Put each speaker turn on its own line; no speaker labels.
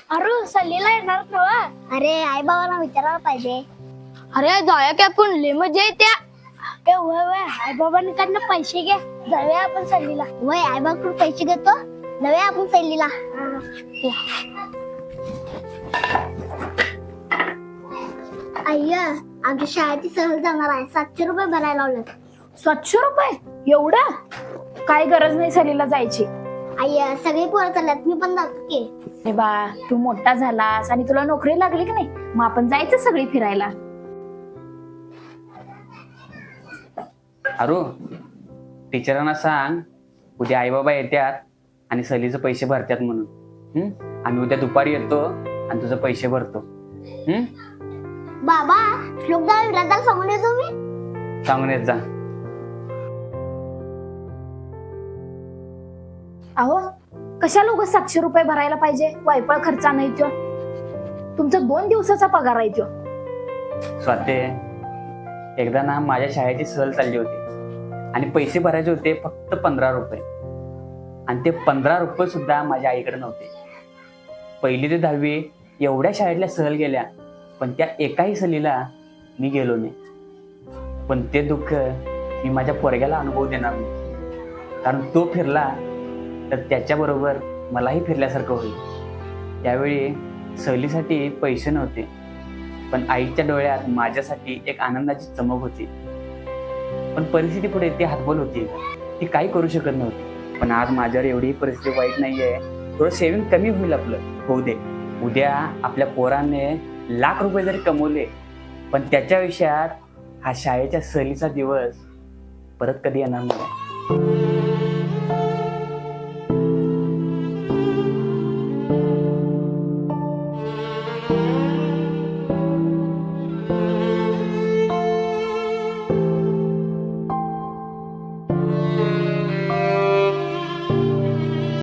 अरे सलीला येणार नवा.
अरे आई बाबांना विचारायला पाहिजे.
अरे जाऊया की आपण लय मजा येत्या. ए वय वय आई बाबांनी कडनं पैसे घे, जाऊया आपण सलीला.
वय आई बाबाकडून पैसे घेतो, जाऊया आपण सहलीला. अय्या आमच्या शाळेची सहल जाणार आहे, 700 रुपये भरायला लावले.
700 रुपये एवढं? काय गरज नाही सलीला जायची.
अय्या सगळी पोरं चालल्यात, मी पण जातो की.
अरे बा तू मोठा झालास आणि तुला नोकरी लागली की नाही, मग आपण जायचं सगळी फिरायला.
अरू, टीचरांना सांग उद्या आई बाबा येतात आणि सहलीचे पैसे भरतात म्हणून. आम्ही उद्या दुपारी येतो आणि तुझे पैसे भरतो.
बाबा श्लोकदा विराजाला सांगून येतो मी.
सांगून येत जा.
अहो कशाला उगाच 700 रुपये भरायला पाहिजे, वायपळ खर्चा नाही तो. तुमचा 2 दिवसाचा पगार आहे तो.
स्वाते, एकदा ना माझ्या शाळेची सहल चालली होती आणि पैसे भरायचे होते फक्त 15 रुपये. आणि ते 15 रुपये सुद्धा माझ्या आईकडे नव्हते. 1ली ते 10वी एवढ्या शाळेतल्या सहल गेल्या, पण त्या एकाही सहलीला मी गेलो नाही. पण ते दुःख मी माझ्या पोरग्याला अनुभव देणार नाही, कारण तो फिरला तर त्याच्याबरोबर मलाही फिरल्यासारखं होईल. त्यावेळी सहलीसाठी पैसे नव्हते, पण आईच्या डोळ्यात माझ्यासाठी एक आनंदाची चमक होती. पण परिस्थिती पुढे ती हातबल होती, ती काही करू शकत नव्हती. पण आज माझ्यावर एवढी परिस्थिती वाईट नाहीये. थोडं सेव्हिंग कमी होईल, आपलं होऊ दे. उद्या आपल्या पोराने लाख रुपये जरी कमवले, पण त्याच्या आयुष्यात हा शाळेच्या सहलीचा दिवस परत कधी येणार नाही.